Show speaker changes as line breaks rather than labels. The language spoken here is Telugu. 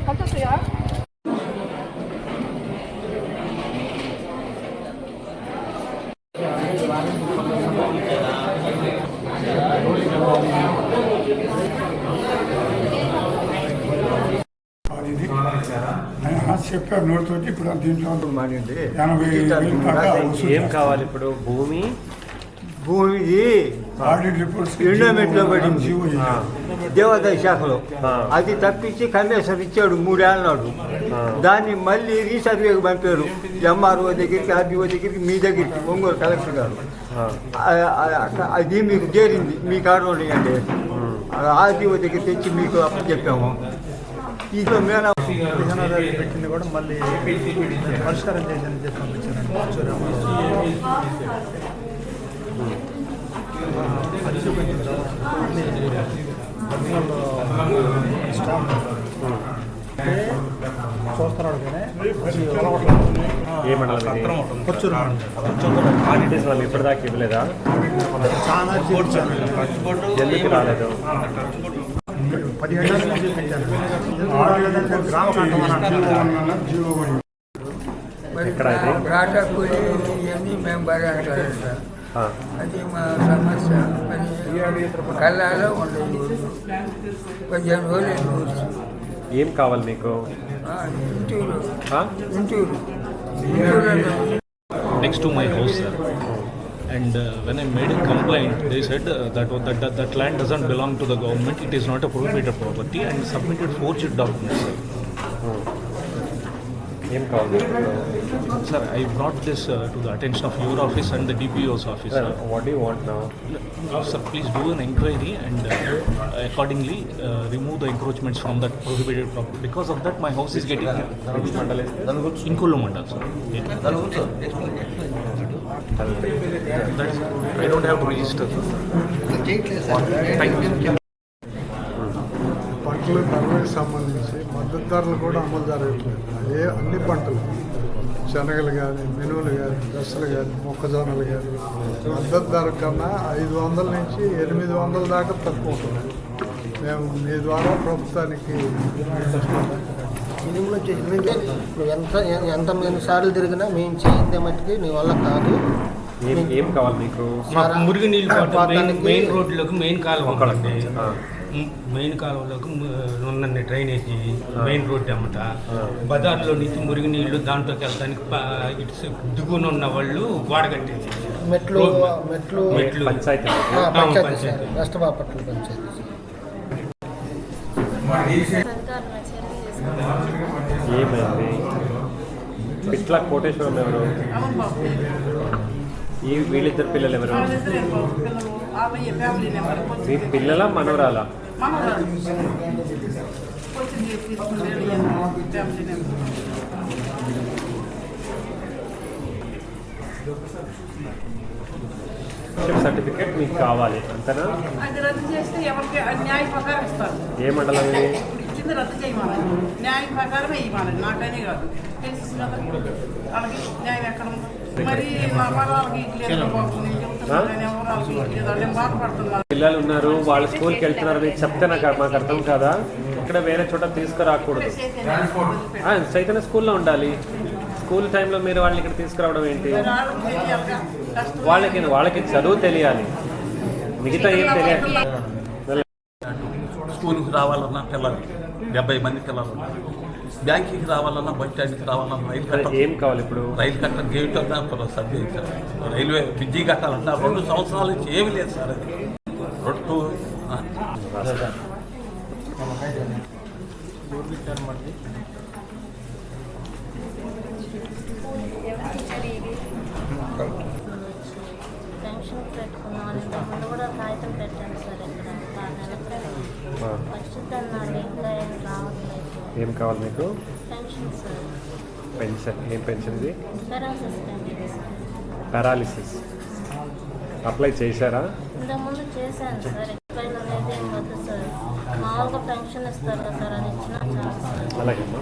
చెప్పారు నోటితో. ఇప్పుడు దీంట్లో
ఏం కావాలి ఇప్పుడు? భూమి
ఎండోమెంట్లో పడింది దేవాదాయ శాఖలో. అది తప్పించి కమిషనర్ ఇచ్చాడు 3 ఏళ్ళ నాడు. దాన్ని మళ్ళీ రీసర్వేకి పంపారు ఎంఆర్ఓ దగ్గరికి, ఆర్డీఓ దగ్గరికి, మీ దగ్గరికి, ఒంగోలు కలెక్టర్ గారు. అది మీకు చేరింది, మీ కారు అంటే ఆర్డీఓ దగ్గర తెచ్చి మీకు అప్పుడు చెప్పాము. ఇంట్లో మేన
పెట్టింది కూడా మళ్ళీ పరిష్కారం చేశాను చెప్పి పంపించాను. చూస్తున్నాడు
ఏ మండలం?
కొచ్చూరు
మండలం. ఇప్పటిదాకా ఇవ్వలేదా?
చాలా
ఎందుకు రాలేదు?
17 ఏళ్ళ నుంచి పెంచాను. గ్రామ
ఇవన్నీ మేము బాగా అంటారు సార్. అది మా సమస్య. మరి కళ్ళాలో ఉండదు 15 రోజులు.
ఏం కావాలి మీకు?
Intur
next to my house, sir. And when I made a complaint, they said that land doesn't belong to the government. It is not a prohibited property, and submitted forged documents, sir. Sir, I brought this to the attention of your office and the DPO's office.
Sir, what do you want now?
Sir, please do an inquiry and accordingly remove the encroachments from that prohibited property. Because of that, my house is getting Inkollu Mandal, sir. That is, I don't have to register. Thank you.
పంటలు ధరలకు సంబంధించి మద్దతు ధరలు కూడా అమలు జరగట్లేదు. అన్ని పంటలు, శనగలు కానీ, మినువులు కానీ, దశలు కానీ, మొక్కజొన్నలు కానీ మద్దతు ధర కన్నా 500 నుంచి 800 దాకా తక్కువ ఉంటుంది. మేము మీ ద్వారా ప్రభుత్వానికి
మినిమం ఎంత సార్లు తిరిగినా మేము చేయిందే మట్టికి నీ వల్ల కాదు.
ఏం కావాలి మీకు?
మురికి నీళ్ళు మెయిన్ రోడ్లోకి మెయిన్ కాలువ ఉందండి. మెయిన్ కాలువలోకి ఉన్న డ్రైనేజీ మెయిన్ రోడ్డు అమ్మట బజార్లో నుంచి మురికి నీళ్లు దాంట్లోకి వెళ్ళడానికి ఇటు దిగున ఉన్న వాళ్ళు గోడ కట్టేసి
మెట్లు
పంచాయతీ
వెస్ట్ బాపట్ల పంచాయతీ.
ఏమైంది? పిట్ల కోటేశ్వరం ఎవరు? వీళ్ళిద్దరు పిల్లలు ఎవరు? మీ పిల్లల మనవరాలా? సర్టిఫికేట్ మీకు కావాలి అంతేనా?
అది రద్దు చేస్తే ఎవరికి న్యాయ ప్రకారం ఇస్తారు.
ఏ మండలం ఇది?
ఇచ్చింది రద్దు చేయమని న్యాయ ప్రకారమే ఇవ్వాలి. నాకనే కాదు, తెలుసు కదా వాళ్ళకి న్యాయం ఎక్కడ ఉందో. మరి మా వాళ్ళకి
పిల్లలు ఉన్నారు, వాళ్ళు స్కూల్కి వెళ్తున్నారని చెప్తే మాకు అర్థం కాదా? ఇక్కడ వేరే చోట తీసుకురాకూడదు. చైతన్య స్కూల్లో ఉండాలి. స్కూల్ టైంలో మీరు వాళ్ళని ఇక్కడ తీసుకురావడం ఏంటి? వాళ్ళకి చదువు తెలియాలి, మిగతా ఏం తెలియాలి.
స్కూల్కి రావాలన్నా పిల్లలు 70 మంది పిల్లలు ఉన్నారు. బ్యాంకింగ్కి రావాలన్నా, బస్ స్టాండ్కి రావాలన్నా, రైలు కట్ట
ఏం కావాలి ఇప్పుడు?
రైలు కట్ట గేట్ అన్నా సర్ది సార్. రైల్వే బ్రిడ్జి కట్టాలన్నా 2 సంవత్సరాల నుంచి ఏమీ లేదు సార్. అది రొట్టు
పెన్షన్ పెట్టుకున్నాను. ఇంతకుముందు కూడా కాగితం పెట్టాను సార్. ఇక్కడ పరిస్థితి అన్నాడు, ఇంకా ఏం రావట్లేదు.
ఏం కావాలి మీకు?
Pension sir.
పెన్షన్? ఏం పెన్షన్ ఇది?
Paralysis pension sir.
Paralysis apply చేశారా?
ఇంతకుముందు చేశాను సార్. ఎక్స్పైర్ అనేది ఏం వద్దు సార్. మామూలుగా పెన్షన్ ఇస్తారు కదా సార్, అది ఇచ్చినా చాలు సార్.
అలాగేమ్మా.